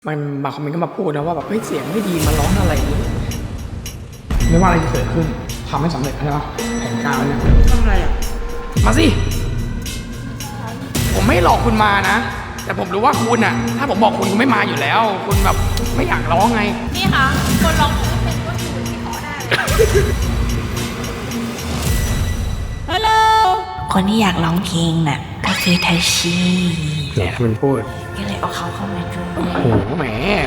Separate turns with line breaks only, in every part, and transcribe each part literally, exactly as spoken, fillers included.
มันบางคอมเมนต์ก็มาพูดนะว่าแบบเฮ้ยเสียงไม่ดีมาร้องอะไรนี้ไม่ว่าอะไรจะเกิดขึ้นทำให้สำเร็จใช่ปะแผนการเนี่ย
ทำอะไรอ่ะ
มาสิผมไม่หลอกคุณมานะแต่ผมรู้ว่าคุณอ่ะถ้าผมบอกคุณคุณไม่มาอยู่แล้วคุณแบบไม่อยากร้องไง
นี่ค่ะคนร้องไม่เป็นก็อยู่ที่ขอได้ฮัลโหลคนที่อยากร้องเพลงน่ะก็คือไทชี
เนี่ยมันพูด
ก็เลยเอาเขาเข้ามาด้วย
โอ้โหแหม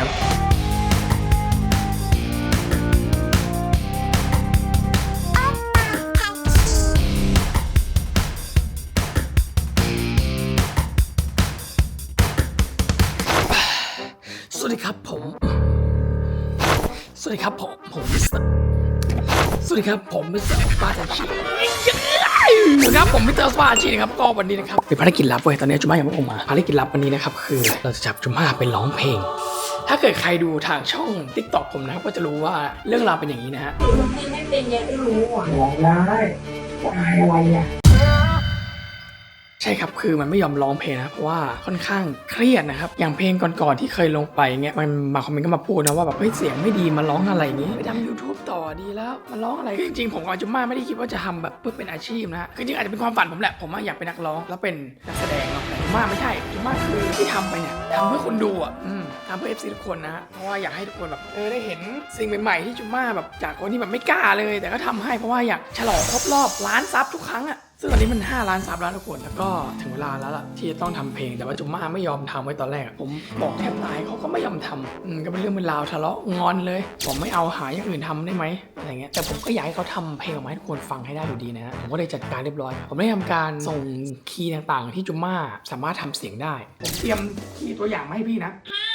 สวัสดีครับผมสวัสดีครับผมผมมิสเตอร์สวัสดีครับผมมิสเตอร์ปาตาชิครับผมมิสเตอร์ปาตาชินะครับก็วันนี้นะครับเป็นภารกิจลับเว้ยตอนนี้จุม่ายังไม่ออกมาภารกิจลับวันนี้นะครับคือเราจะจับจุม่าไปร้องเพลงถ้าเกิดใครดูทางช่อง ติ๊กต็อก ผมนะครับก็จะรู้ว่าเรื่องราวเป็นอย่างนี้นะฮะ
ไม่เป็นยังไม่รู้อ่ะ
ร้องได้อะไรอ่ะใช่ครับคือมันไม่ยอมร้องเพลงนะเพราะว่าค่อนข้างเครียดนะครับอย่างเพลงก่อนๆที่เคยลงไปเงี้ยมันมาคอมเมนต์ก็มาพูดนะว่าแบบเฮ้ยเสียงไม่ดีมาร้องอะไรนี้ไปทำ ยูทูบ ต่อดีแล้วมาร้องอะไรจริงๆผมกับจุม่าไม่ได้คิดว่าจะทำแบบเพื่อเป็นอาชีพนะคือจริงอาจจะเป็นความฝันผมแหละผมอยากเป็นนักร้องแล้วเป็นนักแสดงเนาะแต่จุม่าไม่ใช่จุม่าคือที่ทำไปเนี่ยทำเพื่อคนดูอ่ะอืมทำเพื่อ เอฟ ซี ทุกคนนะเพราะว่าอยากให้ทุกคนแบบเออได้เห็นสิ่งใหม่ๆที่จุม่าแบบจากคนที่แบบไม่กล้าเลยแต่ก็ทำให้เพราะว่าอยากฉลองครบรอบล้านซับทุกครั้งอ่ะซึ่งตอนนี้มันห้าล้านซับแล้วทุกคนแล้วก็ถึงเวลาแล้วล่ะที่จะต้องทำเพลงแต่ว่าจุม่าไม่ยอมทำไว้ตอนแรกผมบอกแทบตายเขาก็ไม่ยอมทำอืมก็เป็นเรื่องเป็นราวทะเลาะงอนเลยผมไม่เอาหาอย่างอื่นทำได้ไหมอะไรเงี้ยแต่ผมก็อยากให้เขาทำเพลงออกมาให้ทุกคนฟังให้ได้อยู่ดีนะฮะผมก็เลยจัดการเรียบร้อยผมได้ทำการส่งคีย์ต่างๆที่จุม่าสามารถทำเสียงได้ผมเตรียมคีย์ตัวอย่างมาให้พี่นะ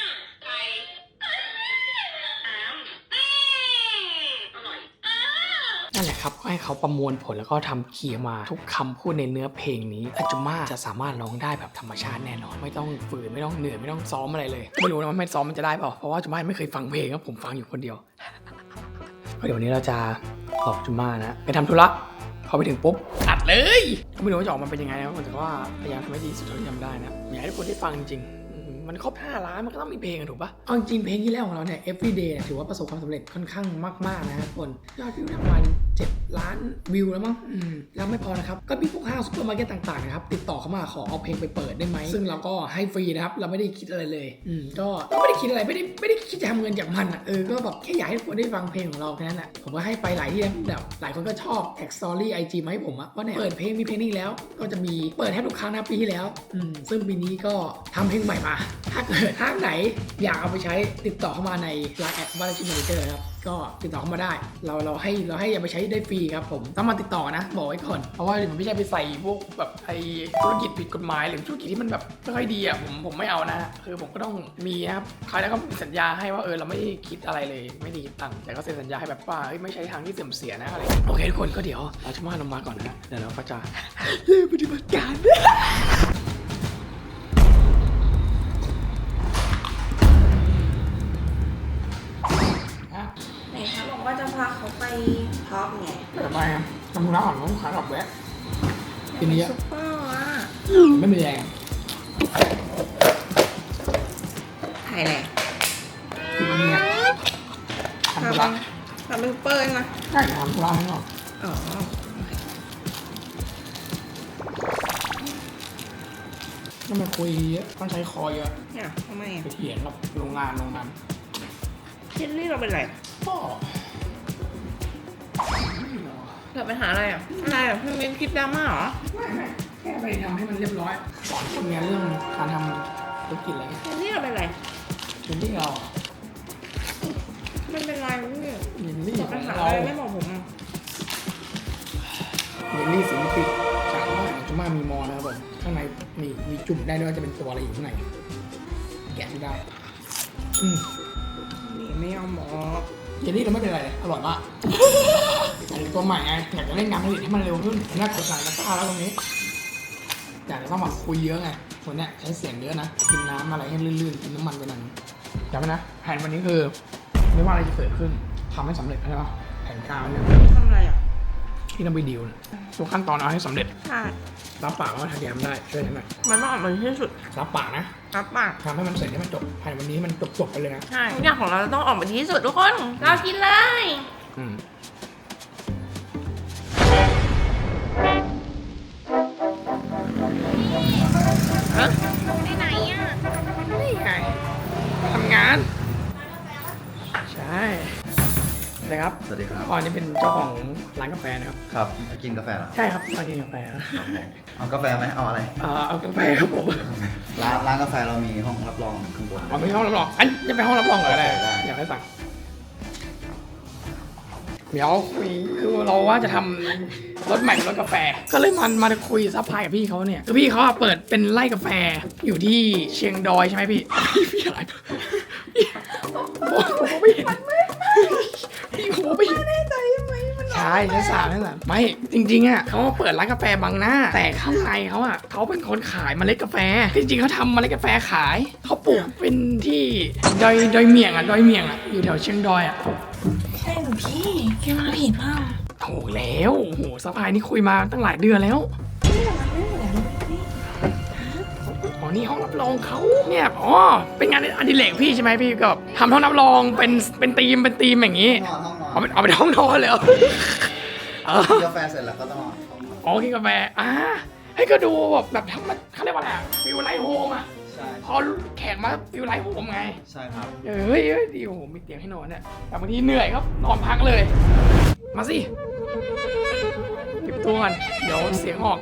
นั่นแหละครับก็ให้เขาประมวลผลแล้วก็ทำคีย์มาทุกคำพูดในเนื้อเพลงนี้อาจุม่าจะสามารถร้องได้แบบธรรมชาติแน่นอนไม่ต้องฝืนไม่ต้องเหนื่อยไม่ต้องซ้อมอะไรเลยไม่รู้นะว่าไม่ซ้อมมันจะได้เปล่าเพราะว่าจุม่าไม่เคยฟังเพลงครับผมฟังอยู่คนเดียวก็เดี๋ยววันนี้เราจะหลอกจุม่านะไปทำธุระพอไปถึงปุ๊บอัดเลยก็ไม่รู้ว่าจะออกมาเป็นยังไงนะแต่ว่าพยายามทำให้ดีสุดเท่าที่ทำได้นะอยากให้ทุกคนได้ฟังจริงมันครบห้าล้านมันก็ต้องมีเพลงถูกปะเอาจริงเพลงที่แล้วของเราเนี่ย everyday ถือว่าประสบความสำเร็จค่อนข้างมากๆนะทุกคนยอดวิวประมาณเจ็ดล้านวิวแล้วมั้งอืมแล้วไม่พอนะครับก็มีพวกห้างซุปเปอร์มาร์เก็ตต่างๆนะครับติดต่อเข้ามาขอเอาเพลงไปเปิดได้ไหมซึ่งเราก็ให้ฟรีนะครับเราไม่ได้คิดอะไรเลยอืมก็ไม่ได้คิดอะไรไม่ได้ไม่ได้คิดจะทำเงินจากมันอ่ะเออก็แบบแค่อยากให้ทุกคนได้ฟังเพลงของเราแค่นั้นแหละผมก็ให้ไปหลายที่แบบหลายคนก็ชอบแท็กสตอรี่ไอจีมาให้ผมอะว่าเนี่ยเปิดเพลงมีเพลงนี้แล้วก็จะมีเปิดแทบทุกครั้งนะปีที่แล้วอืมซึ่งปีนี้ก็ทำเพลงใหม่มาถ้าเกิดห้างไหนอยากเอาไปใช้ติดต่อเข้ามาใน ไลน์ แอด บาราชิมานิเตอร์ครับก็ติดต่อเข้ามาได้เราเราให้เราให้เอาไปใช้ได้ฟรีครับผมต้องมาติดต่อนะบอกไว้ก่อนเพราะว่ามันไม่ใช่ไปใส่พวกแบบไอ้ธุรกิจผิดกฎหมายหรือธุรกิจที่มันแบบไม่ค่อยดีอ่ะผมผมไม่เอานะคือผมก็ต้องมีนะครับใครแล้วก็สัญญาให้ว่าเออเราไม่คิดอะไรเลยไม่ได้คิดตังค์แต่ก็เซ็นสัญญาให้แบบว่าไม่ใช่ทางที่เสื่อมเสียนะอะไรโอเคทุกคนก็เดี๋ยวเราจะมาลงมาก่อนนะเดี๋ยวเราก็จะเริ่มปฏิบัติการ
ว่าจะพาเขาไปท็อปไง
ทำไมอ่ะทำธุระก่อนต้องขากลับแวะทีนี้
ซุปเปอร์อ่ะ
ไม่มีแรง
ถ่ายแหละ
ทีนี้ทำธุระ
ทำเป็นซุปเปอร์นะ
ใช่ทำธุระให้หน่อย
อ๋อ
ต้องมาคุยเยอะต้องใช้คอเยอะ
เนี่ยทำไมอ่ะ
ไปเถียงกับโรงงานโรงงาน
เจลลี่เราเป็นไร
ก็
เกิดปัญหาอะไรอ่ะอะไรอ่ะเพิ่งเป็นคลิปดราม่าเหรอ
ไม่ไม่แค่ไปทำให้มันเรียบร้อยสอนคนงานเรื่องการทำธุรกิจอะไรเงี้ย
เจลลี่เราเป็นไร
เจลลี่เรา
ไม่เป็นไรพี่
เจลลี่
ปัญหาอะไรไม่บอกผมอ่ะ
เจลลี่สีปิดจากว่าจุม่ามีมอนะครับผมข้างในมีมีจุ่มได้ด้วยจะเป็นตัวอะไรอยู่ข้างในแกะไม่ได้อืม
นี่ไม่ยอมบอก
เจลลี่เราไม่เป็นไรเลยอร่อยมากอันนี้ตัวใหม่ไงอยากจะเล่นงานผลิตให้มันเร็วขึ้นน่ากดสั่งตะกร้าแล้วตรงนี้อยากจะต้องมาคุยเยอะไงคนเนี้ยใช้เสียงเยอะนะกินน้ำอะไรให้ลื่นๆกินน้ำมันไปหน่อยจำไว้นะแผนวันนี้คือไม่ว่าอะไรจะเกิดขึ้นทำให้สำเร็จใช่ปะแผนการเนี่ย
ทำอะไรอ่ะ
ที่ต้องไปดีลทุกขั้นตอนเอาให้สำเร็จ
ใช่
รับปากว่าทำยามได้ช่วยฉันหน่อย
มันต้องออกมาที่สุด
รับปากนะ
รับปาก
ทำให้มันเสร็จให้มันจบภายในวันนี้มันจบจบๆไปเลยนะ
ใช่ทุกอย่างของเราต้องออกมาดีที่สุดทุกคนเรากินเลย
อืม
ฮะไปไหนอ่ะ
นี่ไงทำงาน ใช่นะครับ
สวัสดีครับ
พ่อนี่เป็นเจ้าของร้านกาแฟนะครับ
ครับมากินกาแฟเหรอ
ใช่ครับมากินกาแฟนะ
เอากาแฟไหมเอาอะไร
เอ่อเอากาแฟครับผม
ร้านร้านกาแฟเรามีห้องรับรองข้างบน
เอาไม่ห้องรับรองอันจะไปห้องรับรองเหรออะไร
ได้
อยากให้สั่งเดี๋ยวคุยคือเราว่าจะทำรถใหม่เป็นรถกาแฟ ก็เลยมันมาคุยซัพพลายกับพี่เขาเนี่ยคือพี่เขาอะเปิดเป็นไร่กาแฟอยู่ที่เชียงดอยใช่ไหมพี่พี่อะไรพี่ผมผมไม่เห็นพี่ผมไม่เห็นใช่ใช่สามใช่สามไม่จริงๆอ่ะเขาเปิดร้านกาแฟบางหน้า แต่ข้างในเขาอ่ะเขาเป็นคนขายเมล็ดกาแฟจริงๆเขาทำเมล็ดกาแฟขายเขาปลูกเป็นที่ดอยดอยเมียงอ่ะดอยเมียงอ่ะอยู่แถวเชียงดอยอ่ะ
ใช่หนูพี่แกมาผิดเปล่า
ถูกแล้วโอ้โหสภายนี่คุยมาตั้งหลายเดือนแล้วอ๋อนี่ห้องรับรองเขาเนี่ยอ๋อเป็นงานอดิเรกพี่ใช่ไหมพี่ก็ทำห้องรับรองเป็นเป็นธีมเป็นธีมอย่างนี้
ห้องนอนห้องนอน
เอาไปเอาไปห้องนอนเลยเหรอเออ
กินกาแฟเสร็จแล้วก็ต้องนอนห้องนอน
อ๋อกินกาแฟอ่าให้ก็ดูแบบแบบทำมันเขาเรียกว่าอะไรฟิลไลท์โฮมอ่ะ
ใช่
พอแขกมาฟิลไลท์โฮมไง
ใช่ครับ
เฮ้ยเฮ้ยดีโอ้โหมีเตียงให้นอนเนี่ยแต่บางทีเหนื่อยครับนอนพักเลย มาสิเก็บตัวกันเดี๋ยวเสียงออก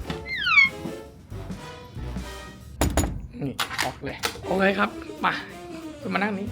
นี่ออกเลยโอเคครับมาคุณมานั่งนี้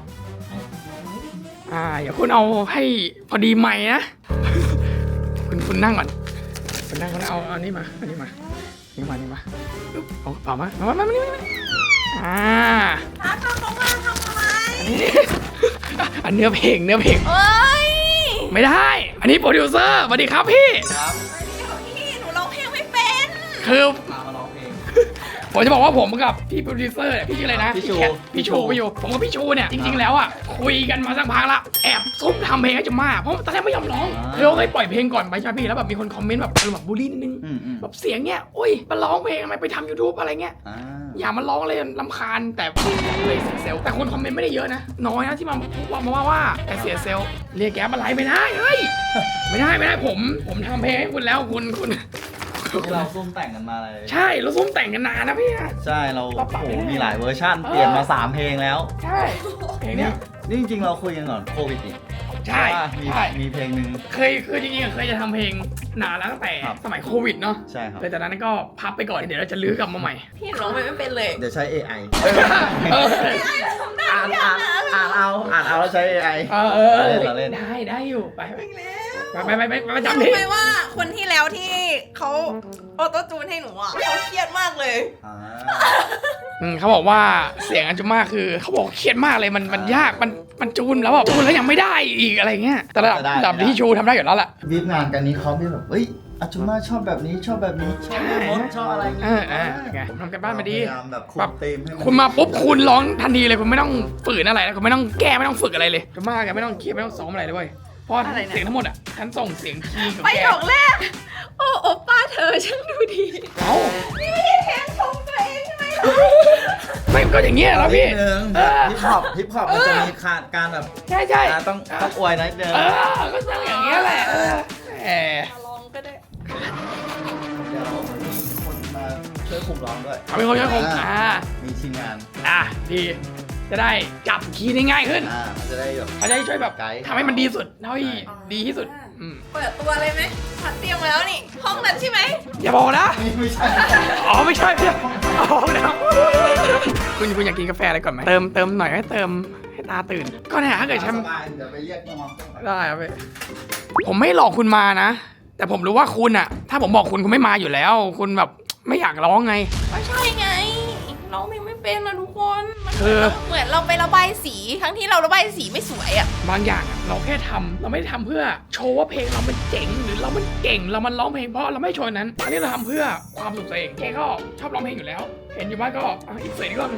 อ่าเดี๋ยวคุณเอาให้พอดีใหม่นะ คุณคุณนั่งก่อนคุณนั่งคุณเอาเอานี่มาอันนี้มานี่มานี่มาปึ๊บเอาเอามามามามามานี่มานี่อ่า
ถ้าทำเขามาทำอะไร
อันนี้ อันเนื้อเพลงเนื้อเพลง
เอ้ย
ไม่ได้ อันนี้โปรดิวเซอร์สวัสดีครับพี่
ครับ
เดี๋ยวพี่หนูร้องเพลงไม่เป็น
คือ
มามาร้องเพลง
ผมจะบอกว่าผมกับพี่โปรดิวเซอร์เนี่ยพี่ชื่ออะไรนะ
พี่ชู
แคทพี่ชูพี่ชูผมกับพี่ชูเนี่ยจริงๆแล้วอ่ะคุยกันมาสักพักละแอบซุ่มทำเพลงให้จะมาเพราะตอนแรกไม่ยอมร้องคือเราเคยปล่อยเพลงก่อนไปใช่ไหมพี่แล้วแบบมีคนคอมเมนต์แบบอารมณ์แบบบูลลี่นิดนึง
อืมอืม
แบบเสียงเนี้ยโอ้ยมาร้องเพลงทำไมไปทำยูทูบอะไรเงี้ย
อ่า
อย่ามาร้องเลยลำคาญแต่เลยเสียเซลลแต่คนคอมเมนต์ไม่ได้เยอะนะน้อยนะที่มาว่ามาว่าว่าแต่เสียเซลลเรียกแกมาไลฟ์ไม่ได้เฮ้ยไม่ได้ไม่ได้ผมผมทำเพลงให้คุณแล้วคุณคุณ
ที่เราซุ่มแต่งกันมาเลย
ใช่เราซุ่มแต่งกันนานนะพี่นะ
ใช่เรา
เราปรับ
โอ้โห
ไม่ได้
มีหลายเวอร์ชันเปลี่ยนมาสามเพลงแล้ว
ใช่เพลงเนี้ย
นี่จริงๆเราคุยกันก่อนโควิดอีก
ใช่
ว่ามี
ใช่
มีเพลงหนึ่ง
เคยคือจริงๆเคยจะทำเพลงนานแล้วตั้งแต่
ครับ
สมัยโควิดเนาะ
ใช่ครับ
เลยแต่นั้นก็พับไปก่อนเดี๋ยวเราจะลื้อกลับมาใหม่
พี่หนูร้องเพลงไม่เป็นเลย
เดี๋ยวใช้ เอ ไอ
เออ
อ่านอ่านอ่านเอาอ่านเอาแล้วใช้ เอ ไอ
เออเออ
เล่นเหรอเล่น
ได้ได้อยู่ไปไป
แล้ว
ไปไปไปไปประจำ
รู้
ที่
ไหมว่าคนที่แล้วที่เขาออโต้จูนให้หนูอ่ะเขาเครียดมากเลย
อ่า
อืมเขาบอกว่าเสียงอันจุมาคือเขาบอกเครียดมากเลยมันมันยากมันมันจูนแล้วแบบจูนแล้วยังไม่ได้อีกอะไรเงี้ยแต่ระดับระดับที่ชูทำได้อยู่แล้วแหละ
วีฟงานกันนี้เขาพี่แบบเอ้ยอาจุมาชอบแบบนี้ชอบแบบนี้ชอบรถชอบอะไรอย่าง
เอ
งี้
อเออไงผมทำกันบ้านมาดี
พยายามแบบคุ
แบ
ม
บ
ธีมให้น
คุณมาปุ๊บคุณร้องทันทีเลยคุณไม่ต้องฝืนอะไรนะคุณไม่ต้องแก้ไม่ต้องฝึกอะไรเลยจุมาแกไม่ต้องเครียดไม่ต้องซ้อมอะไรเลยเว้ยเพราะ
อะไรนะ
เสียงทั้งหมดอ่ะฉันส่งเสียงคีย์กับ
ไป
แก
ดอกแรก โอ้โอป้าเธอช่างดูดี
เอ้า
นี่ไม่ได้เพลงชมตัวเองใช่ไหม
ไม่ก็อย่างเงี้ยแล้วพี่
นิดนึง
เออ
ฮิปฮอปฮิปฮอปมันจะมีขาดการแบบ
ใช่ใช่
อ่าต้องต้องอวยนิดนึง
เออก็ต้องอย่างเงี้ยแหละเออแหม
ลองก็ได้
เดี๋ยวมีคนมาช่วยคุมร้องด้วย
เอาเป็นคนช่วยผมอ่า
มีทีมงาน
อ่ะดีจะได้จับคีย์ได้ง่ายขึ้น
อ่ามันจะได้แบบ
เขาจะได้ช่วยแบบ
ไกด์
ทำให้มันดีสุดเท่าที่ดีที่สุดอืม
เปิดตัวเลยไหมพัดเตรียมมาแล้วนี่ ห้องนั้นใช่ไหม
อย่าบอกนะ
นี่ไม่ใช่
อ๋อไม่ใช่พี่อ๋อนะคุณคุณอยากกินกาแฟอะไรก่อนไหมเติมเติมหน่อยให้เติมให้ตาตื่น ก็เนี่ยถ้าเกิดฉัน
สบายเดี๋ยวไปเรียกน้องๆ
ได้ครับพี่ผมไม่หลอกคุณมานะ แต่ผมรู้ว่าคุณอะถ้าผมบอกคุณคุณไม่มาอยู่แล้ว คุณแบบไม่อยากร้องไง
ไม่ใช่ไงร้องเพลงไม่เป็นนะทุกคนมัน
คือ
เหมือนเราไประบายสี ทั้งที่เราระบายสีไม่สวยอ่ะ
บางอย่างอะเราแค่ทำเราไม่ได้ทำเพื่อโชว์ว่าเพลงเรามันเจ๋งหรือเรามันเก่งเรามันร้องเพลงเพราะเราไม่โชว์นั้น อันนี้เราทำเพื่อความสุขตัวเองแกก็ชอบร้องเพลงอยู่แล้ว เห็นอยู่บ้านก็อ่ะอีกเสียงก็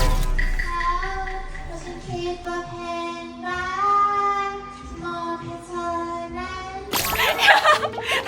ก็ฉันคิดว่าเพลงรักมอบให้เธอนั้น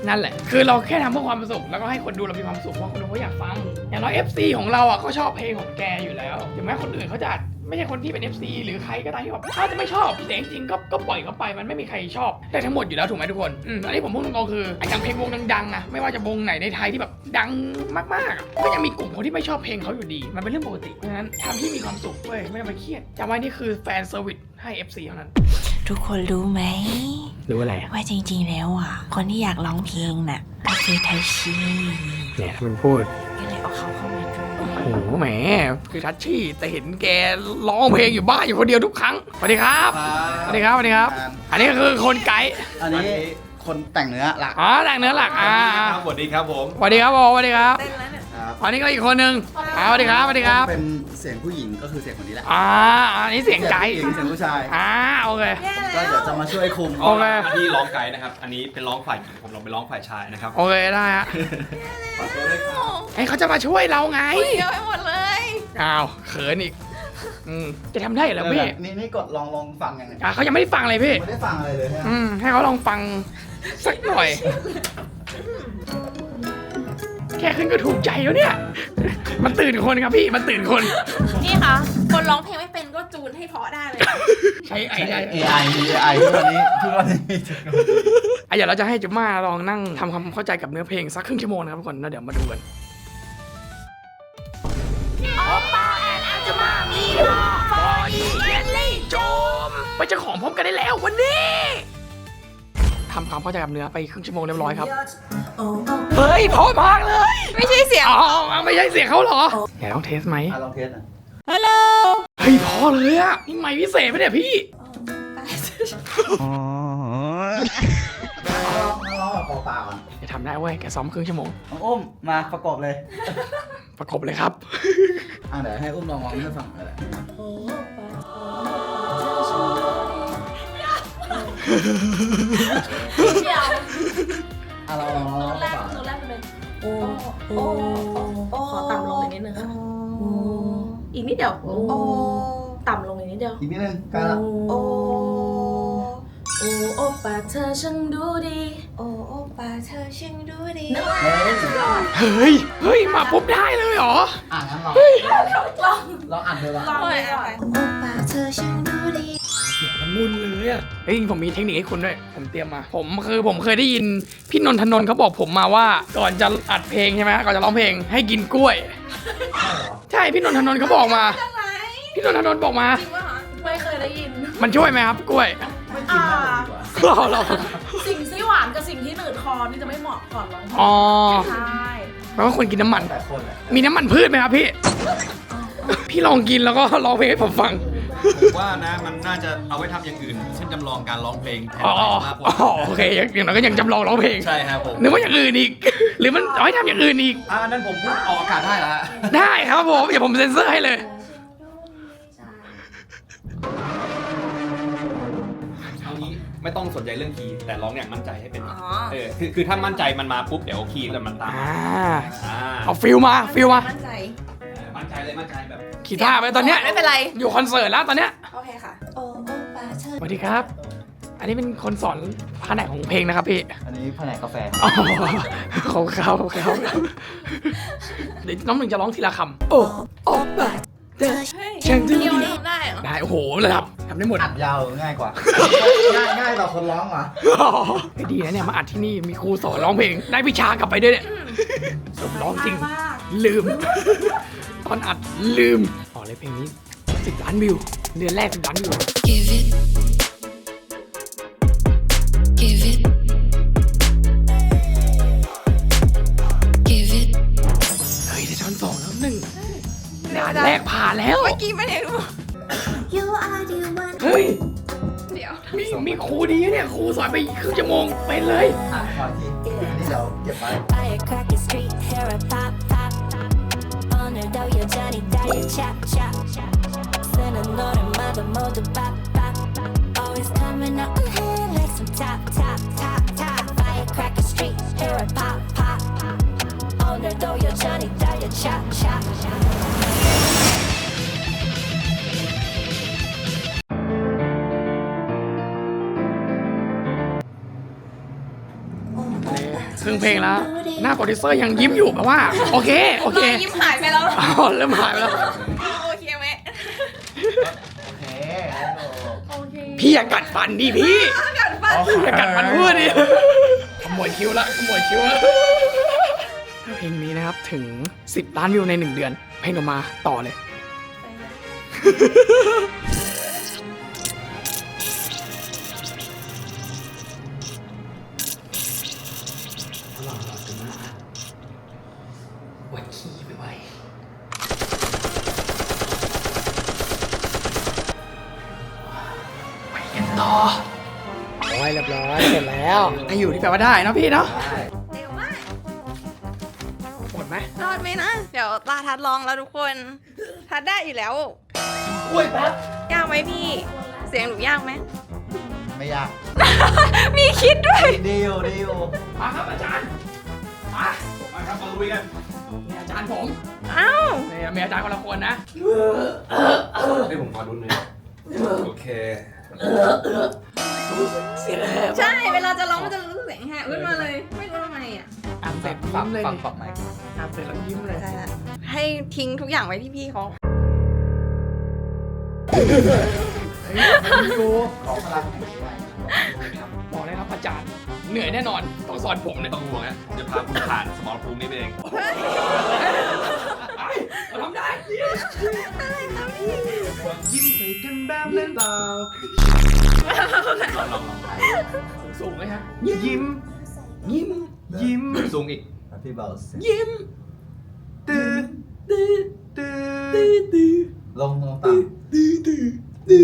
นั่นแหละคือเราแค่ทำเพื่อความสุขแล้วก็ให้คนดูเรามีความสุขเพราะคนดูเขาอยากฟังอย่างน้อย เอฟ ซี ของเราอ่ะเขาชอบเพลงของแกอยู่แล้วถึงแม้คนอื่นเขาจะไม่ใช่คนที่เป็น เอฟ ซี หรือใครก็ตามที่แบบถ้าจะไม่ชอบแต่จริงๆก็ก็ปล่อยเขาไปมันไม่มีใครชอบได้ทั้งหมดอยู่แล้วถูกไหมทุกคนอืมอันนี้ผมพูดตรงๆคืออย่างเพลงวงดังๆอะไม่ว่าจะวงไหนในไทยที่แบบดังมากๆก็ยังมีกลุ่มคนที่ไม่ชอบเพลงเขาอยู่ดีมันเป็นเรื่องปกติเพราะฉะนั้นทำที่มีความสุขเว้ยไม่ต้องไปเครียดจำไว้นี่คือแฟนเซอร์วิสให้ เอฟ ซี เท่านั้น
ทุกคนรู้ไหม
รู้อะไร
ว่าจริงๆแล้วอ่ะ คนที่อยากร้องเพลงน่ะก็คือไทชี
เนี่ยมันพูด
ก็เลยเอาเขาเข้ามาด้วย
โอ้โหแหมคือทัชชี่แต่เห็นแกร้องเพลงอยู่บ้านอยู่คนเดียวทุกครั้งสวัสดีครับสวัสดีครับสวัสดีครับ อันนี้ก็คือคนไกด์
อันนี้คนแต่งเนื้อหลัก
อ๋อแต่งเนื้อหลักอ่า
สวัสดีครับผม
สวัสดีครับผมสวัสดีครับ
ครับ
อันนี้ก็อีกคนนึงอ่าสวัสดีครับสวัสดีครับ
เป็นเสียงผู้หญิงก็คือเสียงคนนี้แหละ
อ่าอันนี้เสียงไกด์
เสียงผู้หญิงเสียงผู้ชาย
อ่าโอเค
ก็เดี๋ยวจะมาช่วยคุม
โอเค
อันนี้ร้องไกด์นะครับ อันนี้เป็นร้องฝ่ายหญิงผมลองไปร้องฝ่ายชายนะครับ
โอเคได้ฮะ
ขอตัวด้วยครับ
ไอ้เขาจะมาช่วยเราไง
เยอะไปหมดเลย
อ้าวเขินอีกอืมจะทำได้เหรอพี่
นี่นี่กดลองลองฟังยังไง
อ่าเขายังไม่ได้ฟังเลยพี่
ไม่ได้ฟังอะไรเลยใช่ไหม
อืมให้เขาลองฟังสักหน่อย แค่ขึ้นก็ถูกใจแล้วเนี่ย มันตื่นคนครับพี่ มันตื่นคน
นี่ค่ะ คนร้องเพลงไม่เป็นก็จูนให้เพราะได้เลย
ใช้ไอได้
เอไอมี เอ ไอ ทุกวันนี้ทุกวันนี้มีเทคโนโลยี
อ่ะเดี๋ยวเราจะให้จุ๊ม่าลองนั่งทำความเข้าใจกับเนื้อเพลงสักครึ่งชั่วโมงนะครับทุกคนแล้วเดี๋ยวมาดูกันไปเจ้าของพร้อมกันได้แล้ววันนี้ทำความเข้าใจกับเนื้อไปครึ่งชั่วโมงเรียบร้อยครับ เฮ้ยเพราะมากเลย
ไม่ใช่เสียง
อ๋อไม่ใช่เสียงเขาเหรอไหนลองเทสไหม
อ่ะลองเทสหน่อย
ฮัลโหล
เฮ้ยพอเลยอะนี่ไม่พิเศษไหมเนี่ยพี่
ลองลองแบบเปล่าๆอ่ะ
จะทำได้เว้ยแกซ้อมครึ่งชั่วโมง
น้องอุ้มมาประกอบเลย
ประกบเลยครับ
อ่ะเดี๋ยวให้อุ้มลองร้องให้ฟังเลย
เดี๋ยว
อ่ะเราลองร้อง
แร
เป
ก
ล่า
ตัวแรกมันเป็นโอ้โอ้โอ้ขอต่ำลงอีกนิดนึงค่ะอีกนิดเดียวโอ้ต่ำลงอีกนิดเดียว
อีกนิดนึงใกล้ละ
โอ้โอ้โอป้าเธอช่างดูดีโอ้โอป้าเธอช่างดูดี
เฮ้ย
เฮ้ย เฮ้ย มาปุ๊บได้เลยเหรอ
อ่ะงั้นลอง
ลอง
ลองอ่านเลยละ
ลองเลยก่อนโอป้าเธอช่างดูดี
เสียงมันมุนเลยอะเฮ้ยผมมีเทคนิคให้คุณด้วย ผมเตรียมมา ผมคือผมเคยได้ยินพี่นนทนนท์เขาบอกผมมาว่า ก่อนจะอัดเพลงใช่ไหมก่อนจะร้องเพลงให้กินกล้วย ใช่พี่นนทนนท์เขาบอกมา พี่นนทนนท์บอกมา
จริงป่ะคะไม่เคยได้ยิน
มันช่วยไหมครับกล้วย
ไม่กินมากดีกว่า
เราเรา
สิ่งที่หวานกับสิ่งที่หนืดคอนี่จะไม่เหมาะก่อนร้องเพลง
อ๋อ
ใช่
แปลว่าคนกินน้ำมัน
แต่คนอ่ะ
มีน้ำมันพืชไหมครับพี่ พี่ลองกินแล้วก็ร้องเพลงให้ผมฟัง
ผมว่านะมันน่าจะเอาไว้ทำอย่างอื่น เช่นจำลองการร้องเพลงแทน
อ๋อ
มากก
อ๋
ว่า
อโอเคอย่างน้อยก็ยังจำลองร้องเพลง
ใช่ครับผม
นึกว่าอย่างอื่นอีก หรือมันเอาให้ทำอย่างอื่นอีก
อ่านั่นผมพูดออกอากาศได้แล้วฮะ
ได้ครับผมเดี๋ยวผมเซ็นเซอร์ให้เลย
เอางี้ไม่ต้องสนใจเรื่องคีย์แต่ร้องอย่างมั่นใจให้เป็น
อ๋อ
เออคือคือถ้ามั่นใจมันมาปุ๊บเดี๋ยวคีย์จะมันตาม
อ่า
อ่า
เอาฟิลมาฟิลมา
มั่นใจ
เออมั่นใจเลยมั่นใจแบบ
ขีท่าไปตอนเนี้ย
ไม่เป็นไร
อยู่คอนเสิร์ตแล้วตอนเนี้ย
โอเคค่ะโอ้โอป้าเธอ
สวัสดีครับ อันนี้เป็นคนสอนแผนกของเพลงนะครับพี่
อันนี้แผนกกาแฟ
อ๋อเขาเขาเขาเดี๋ยวน้องหนึ่งจะร้องทีละคำโอ้โอ้ปะเธอฉันดู
เดียว
ดี
ทำได้เหรอ
ได้โอ้โหระดับทำได้หมด
อัดยาวง่ายกว่า ง่ายง่ายต่อคนร้องว่ะ
ไอ้ดีนะเนี่ยมาอัดที่นี่มีครูสอนร้องเพลงได้วิชากลับไปด้วยเนี่ยผมร้องจริง
มาก
ลืม ตอนอัดลืมอ๋อเลยเพลงนี้สิบล้านวิวเดือนแรกสิบล้านวิว
Give it. Give it. Give it.
เฮ้ยได้ช้อนสองแล้วหนึ่งด่านแรกผ่านแล้ว
เมื่อกี้ไม่ได้รู้
เฮ้ย
เดี๋ยว
มีมีครูดีนะเนี่ยครูสอนไปครึ่งชั่วโมงไปเลย
อ่ะขอทีอันนี้เดี๋ยวเก็บไว้
Firecracker street, hair a pop, pop, pop. 오늘도 여전히 달려, chop, chop, chop. 쓰는 노래마다 모두 pop, pop, pop. Always coming up ahead like some top, top, top, top. Firecracker street, hair a pop, pop, pop. 오늘도 여전히 달려, chop, chop, chop.
เครึ่งเพลงแล้ว หน้าโปรดิวเซอร์ยังยิ้มอยู่แบบว่า โอเค โอเค
ยิ้มหายไปแล้ว
อ๋อเริ่มหายไปแล้ว
โอเคไหม
โอเค
โอเค
พี่อย่ากัดฟันดิพี่
กัดฟัน
อย่ากัดฟันพูดดิขโมยคิ้วละขโมยคิ้วละเพลงนี้นะครับถึงสิบล้านวิวในหนึ่งเดือน เพลงออกมาต่อเลย หล่อหล่อจังนะวัดขี้ไปไว้ไปกันต่อโอ้ยเรียบร้อยเสร็จแล้วให้อยู่ที่แปลว่าได้เนาะพี่เนาะ
เร็วมาก
หมดไหม
รอดไหมนะ เดี๋ยวตาทัดลองแล้วทุกคน ทัดได้อยู่แล้ว
กล้วยแป๊บ
ยากไหมพี่ เสียงหนูยากไหม
ไม่ยาก
มีคิดด้วย
ดีอยู่ดีอยู่
มาครับอาจารย์มา
มาครับมาลุยกัน
นี่อาจารย์ผม
เอ้า
นี่มีอาจารย์คนละคนนะ
ให้ผมขอดุนหน่อยโอเค
เสียงแหบ
ใช่ เวลาจะร้องมันจะรู้สึกเสียงแหบขึ้นมาเลย ไม่รู้ทำไมอ่ะ
อ่านเสร็จ
ฟั
ยิ้
ง
มเลย
ฟังปรับไหม
อ่านเสร็จแล้วยิ้มเลย
ใช่ละให้ทิ้งทุกอย่างไว้ที่พี่เขา
ดู
ของพลัง
บอกเลยครับอาจารย์ เหนื่อยแน่นอน ต้องสอนผม
ไม่
เนี่ย
ต้องห่วงนะจะพาคุณผ่านสมรภูมินี้ไปเอง
ไปเราทำได้
ยิ้มใส่กันแบบเล่นเปล่า
ลองลองลอง
สูงไหมฮะ
ยิ้ม
ยิ้ม
ยิ้ม
สูงอีก
พี่เบาเสียง
ยิ้ม
ตื้อ
ตื้อ
ตื้อ
ตื้อตื้อ
ลงลงต่ำ
ตื้อตื้อตื้อ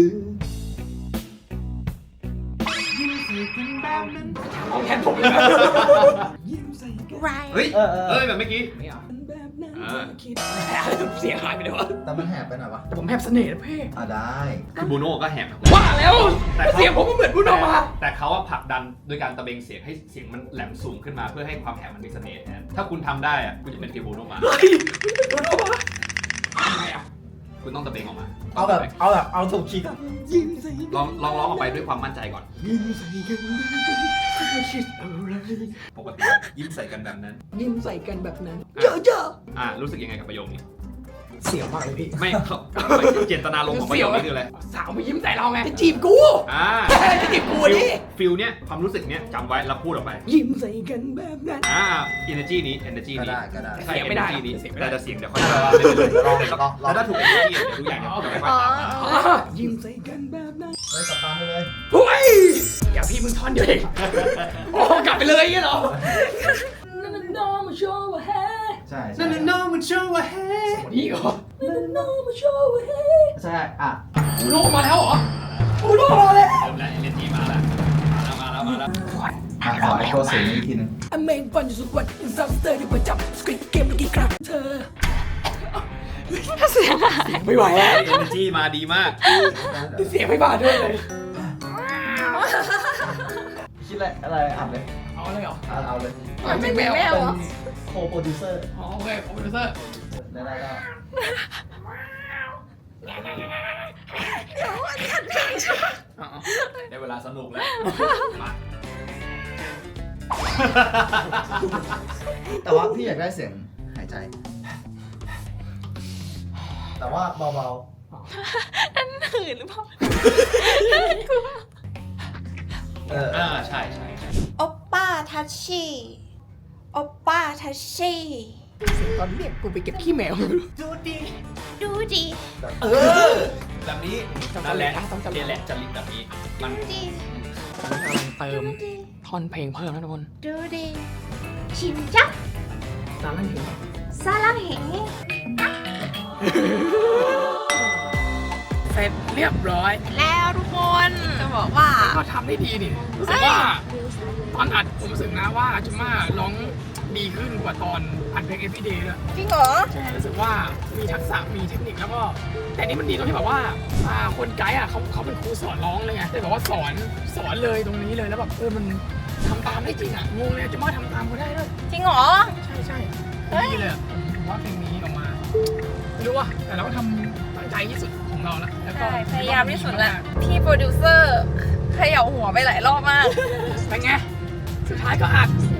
ยิ้มใส่กันแบบเล่น
เอาแทนผมเลยนะยิ้มใส่กัน
ไร
เฮ้ย
เออเออ
เอ้ยแบบเมื่อกี้
ไม่เอาแบบนั้น
อ่า
คิดเสียงหายไปเลยวะ
แต่มันแหบไปหน่อยวะ
แต่ผมแฮบเสน่ห์นะเพ่
อ่ะได้
คือบูโน่ก็แหบ
ว่าแล้ว
แต่
เสียงผมก็เหมือนพูดออกมา
แต่เขาว่าผลักดันโดยการตะเบงเสียงให้เสียงมันแหลมสูงขึ้นมาเพื่อให้ความแหบมันมีเสน่ห์แทนถ้าคุณทำได้อะคุณจะเป็นฟิลบูโน่มา
เฮ้ยพูดออกมาทำไงอ่ะ
คุณต้องตะเบงออกมา
เอาแบบเอาแบบเอาถูกคีย์ก่อน
ยิ้มใส่กัน
ลองลองร้องออกไปด้วยความมั่นใจก่อน
ยิ้มใส่กันไม่คิดอะไร
ปกติยิ้มใส่กันแบบนั้น
ยิ้มใส่กันแบบนั้นเยอะเยอะ
อ่ารู้สึกยังไงกับประโยคนี้
เสียวมากเลยพี่
ไม่เขาเจตนาลมณ์ของประโยคนี้คืออะไร
สาวมายิ้มใส่เราไงจะจีบกู
อ่า
จะจีบกู
ฟิล
ดิ
ฟิลเนี้ยความรู้สึกเนี้ยจำไว้แล้วพูดออกไป
ยิ้มใส่กันแบบนั้น
อ่า energy นี้ energy
ก็
นี้
ได้ก็ได้
ใช่
เสียงไม่ได้
energy นี้
เสียงไม่ได้
แต่จะเสียงเดี๋ยวค่อยว่าไม่เป็นไร
ลองลองลอง
แล้วถ้าถูก energy เดี๋ยวทุกอย่างจะจะค่อยๆตามมา
ยิ้มใส่กันแบบนั้น
เฮ้ยกลับบ้านไปเลย
เฮ้ยอย่าพี่มึงท่อนเดียวเองโอ้กลับไปเลยงี้เหรอนั่นนั่นน้องมาโชว์ว่าเฮ้
ใช่
นั่นน่ะน้องมันโชว์ว่าเฮ้
นี่เหรอนั่นนั่นน้องมาโชว์ว่าเฮ้
ใช่อ่ะ
อูโรมาแล้วเหรออูโรมาแล้ว
เริ่มแล้ว energy มาแล้วมาแล้วมาแล้วมาแล้ว
อ่ะขอไอโชว์เสียงอีกทีหนึง
อเมนฟันอยู่สุดวันอินซัมสเตอร์ที่ประจำสคริปเกมเมื่อกี้ครับเธอเสียงไม่ไหวแล้ว
energy มาดีมาก
เสียงไม่บาดด้วยเลย
คิดอะไรอะไรอ่านเลย
เอาเลยเหรอ
อ่ะเอาเลย
ไม่แมว
แมว
เป็
เหรอ
นโคโปรดิวเซอร์
อ๋อโอเคโปรดิวเซอร์
ได้ได้ได้
ได้เวลาสนุกแล้วมา
แต่ว่าพี่อยากได้เสียงหายใจ แต่ว่าเบา
หื่นหรือเปล่า
ๆเออ
อ่าใช่ใช่ใช่
โอปป้าทัชชี่โอปป้าทัชชี่
เสียงตอนเรียกกูไปเก็บขี้แมว
ดูดีดูดี
เออ
แบบนี้
จำ
นั่นแหละ
จำจำ
นี่แหละจริตแบบนี้มัน
ดูดี
กำลังเติมท่อนเพลงเพิ่มนะทุกคน
ดูดีชิมจัก
ตามนั้นถึง
ซาลังเหง
เสร็จเรียบร้อย
แล้วทุกคนจะบอกว่า
ก็ทำได้ดีนี่รู้สึกว่าตอนอัดผมรู้สึกนะว่าจุม่าร้องดีขึ้นกว่าตอนอัดเพลง Everyday ด้วย
จริงเหรอ
ใช่รู้สึกว่ามีทักษะมีเทคนิคแล้วก็ แต่นี่มันดีตรงที่แบบว่าอ่าคนไกด์อ่ะเขาเขาเป็นครูสอนร้องเลยไงแต่แบบว่าสอนสอนเลยตรงนี้เลยแล้วแบบเออมันทำตามได้จริงอ่ะงงเลยจุม่าทำตามเขาได้ด้วย
จริงเหรอ
ใช่ใช่
เฮ้ย
ดีเลยอะผมว่าเพลงนี้ออกมาไม่รู้ว่าแต่เราก็ทำตั้งใจที่สุดของเราแล้วแล้วก็
ใช่พยายามที่สุดแล้วพี่โปรดิวเซอร์เขย่าหัวไปหลายรอบมาก
เป็นไงสุดท้ายก็อัดอ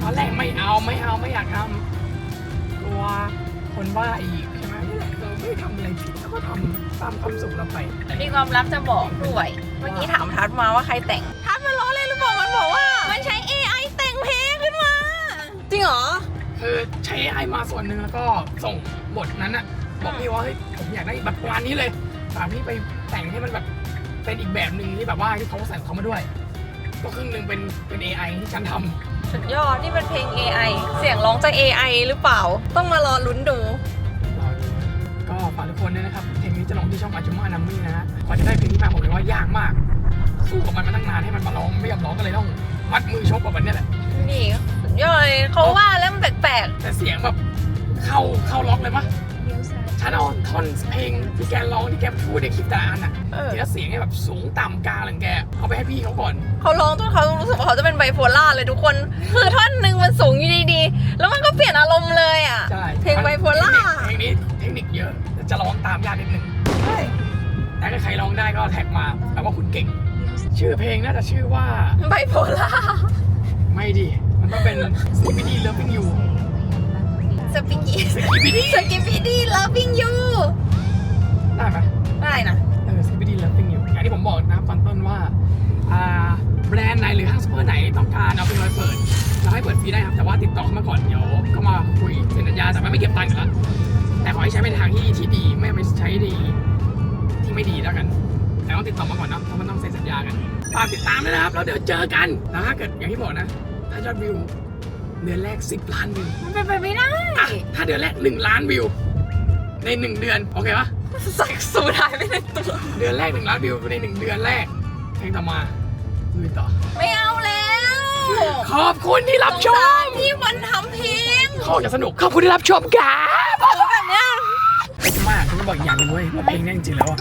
อนแรกไม่เอาไม่เอาไม่อยากทำกลัวคนว่าอีกใช่ไหมนี่แหละเราไม่ทำอะไรผิดแล้วก็ทำตามความสุขเราไป
มีความลับจะบอกด้วย เมื่อกี้ถามทัดมาว่าใครแต่ง ทัดมันล้อเล่นหรือเปล่ามันบอกว่า มันใช้ เอ ไอ แต่งเพลงขึ้นมา จริงเหรอ
คือใช้ เอ ไอ มาส่วนหนึ่งแล้วก็ส่งบทนั้นอะบอกพี่ว่าเฮ้ยผมอยากได้แบบประมาณนี้เลยฝากพี่ไปแต่งให้มันแบบเป็นอีกแบบหนึ่งที่แบบว่าที่เขาใส่ของเขามาด้วย ก็ครึ่งหนึ่งเป็นเป็น เอ ไอ ที่ฉันทำ
สุดยอด นี่เป็นเพลง เอ ไอ เสียงร้องจาก เอ ไอ หรือเปล่า ต้องมารอลุ้นดู
รอดูก็ฝากทุกคนด้วยนะครับเพลงนี้จะลงที่ช่องอาจุมานัมมี่นะฮะกว่าจะได้เพลงนี้มาผมเลยว่ายากมาก สู้กับมันมาตั้งนานให้มันมาร้องไม่ยอมร้องก็เลยต้องมัดมือชกกับมันเนี่ยแหละ
นี่สุดยอดเลยเขาว่าแล้วมันแปลก
แต่เสียงแบบเข้าเข้าล็อกเลยปะฉันเอาท่อนเพลงที่แกร้องที่แกพูดในคลิปแต่ละอันอ่ะ
ๆเออ
ทีละเสียงให้แบบสูงต่ำกลางอะไรของแกเอาไปให้พี่เขาก่อน
เขาร้องจนเขารู้สึกว่าเขาจะเป็นไบโพล่าเลยทุกคน คือท่อนหนึ่งมันสูงอยู่ดีๆ แล้วมันก็เปลี่ยนอารมณ์เลยอ่ะ
ใช่
เพลงไบโพล่า
เพลงนี้เทคนิคเยอะแต่จะร้องตามยากนิดนึงแต่ถ้าใครร้องได้ก็แท็กมาแปลว่าคุณเก่ง ชื่อเพลงน่าจะชื่อว่า
ไบโพล่า
ไม่ดิ มันต้องเป็น ซี พี ดี Loving You
สปิงกี้
ซี พี ดี
สกิปปี้ดี loving you
ได้ไหม
ได้นะ
เออ ซี พี ดี Loving You อย่างที่ผมบอกนะตอนต้นว่าอ่าแบรนด์ไหนหรือห้างซูเปอร์ไหนต้องการเอาไปลอยเปิดเราให้เปิดฟรีได้ครับ แต่ว่าติดต่อเข้ามาก่อนเดี๋ยวก็มาคุยเซ็นสัญญาแต่ไม่เก็บตังค์อยู่แล้วแต่ขอให้ใช้ในทางที่ที่ดีไม่ไปใช้ดีที่ไม่ดีแล้วกัน แต่ต้องติดต่อมาก่อนนะเพราะมันต้องเซ็นสัญญากันฝากติดตามด้วยนะครับแล้วเดี๋ยวเจอกันแล้วถ้าเกิดอย่างที่บอกนะถ้ายอดวิวเดือนแรกสิบล้านวิว
มันเป็นไปไม่ได้
อ่ะถ้าเดือนแรกหนึ่งล้านวิวในหนึ่งเดือนโอเคปะ
สักสูดหายไปในตัว
เดือนแรกหนึ่งล้านวิวในหนึ่งเดือนแรกเพลงต่อมาลุยต่อ
ไม่เอาแล้ว
ขอบคุณที่รับช
สงสาม รที่มันทำเพลง
เขาจะสนุกขอบคุณที่รับชมครับ
แบบเนี้ย
ไอ้จะมากคุณบอกอีกอย่างหนึงเว้ยว่าเพลงเนี้ยจริงๆแล้วอะ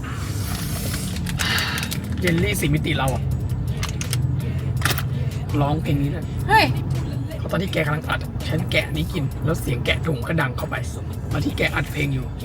เยลลี่สี่มิติเราอะร้องเพลงนี้เลย
เฮ้ย
เพราะตอนที่แกกำลังอัดฉันแกะนี้กิน แล้วเสียงแกะถุงก็ดังเข้าไปตอนที่แกอัดเพลงอยู่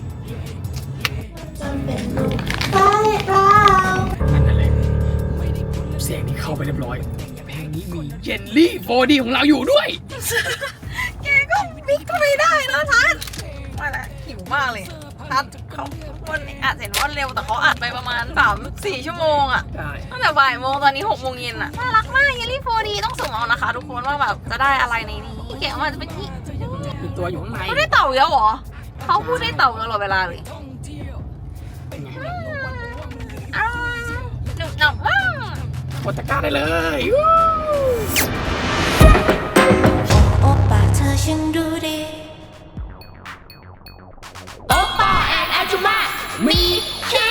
นั่นนั่นเลยเสียงนี้เข้าไปเรียบร้อยเพลงนี้มีเยลลี่โฟร์ดีของเราอยู่ด้วย
แกก็มิกก็ไม่ได้นะทัศน์มาแล้วหิวมากเลยทัศน์เขาวันนี้อัดเสร็จวันเร็วแต่เขาอัดไปประมาณสามสี่ชั่วโมงอะ
ใช่
ตั้งแต่บ่ายโมงตอนนี้หกโมงเย็นอะน่ารักมากเยลลี่โฟร์ดีต้องส่งเอานะคะ ทุกคนว่าแบบจะได้อะไรในนี้แกะมาจะเป็นที่
มีตัวอยู่ข้างใน
เขาได้เต่าเยอะเหรอเขาพูดได้เต่าตลอดเวลาเลย
เป็นไง
อ้าวหนุบหนับมาก
กดตะกร้าได้เลย
โอปาเธอช่างดูดี
โอป้าแอนอาจุมามีเชค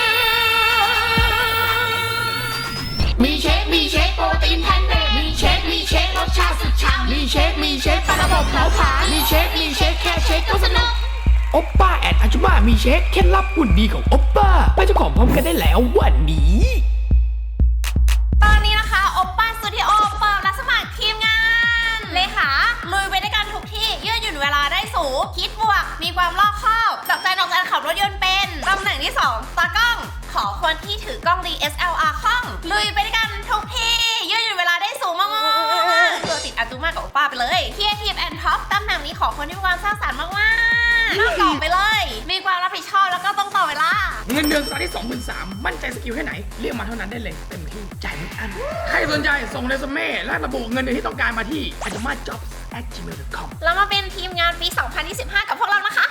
มีเชคมีเชคโปรตีนแพนเนมีเชคมีเชครสชาติสุดฉ่ำมีเชคมีเชคปลาระบบเผาผลาญมีเชคมีเชคแค่เชคก็สนุกโอป้าแอนอาจุมามีเชคเคล็ดลับหุ่นดีของโอป้าไปเจ้าของพร้อมกันได้แล้ววันนี้
ตอนนี้นะคะโอปป้าสตูดิโอเปิดรับสมัครทีมงานเลขาลุยไปด้วยกันทุกที่ยืดหยุ่นเวลาได้สูงคิดบวกมีความรอบคอบจับใจนอกการขับรถยนต์เป็นตำแหน่งที่สองตากล้อง ขอคนที่ถือกล้อง ดี เอส แอล อาร์ คล่องลุยไปด้วยกันทุกที่ยืดหยุ่นเวลาได้สูงมากๆตัวติดอาจูมากับโอปป้าไปเลยครีเอทีฟแอนด์ท็อปตำแหน่งนี้ขอคนที่มีความสร้างสรรค์มากๆต้องตอบไปเลย มีความรับผิดชอบแล้วก็ต้องต่อเวลา
เงินเดือนสัปดาห์ที่ สองหมื่นสามพัน มั่นใจสกิลแค่ไหน เรียกมาเท่านั้นได้เลย เต็มที่จ่ายไม่อัน ใครสนใจส่งเรซูเม่และระบุเงินเดือนที่ต้องการมาที่ a j u m a jobs at gmail dot com
แล้วมาเป็นทีมงานปี สองพันยี่สิบห้า กับพวกเรานะคะ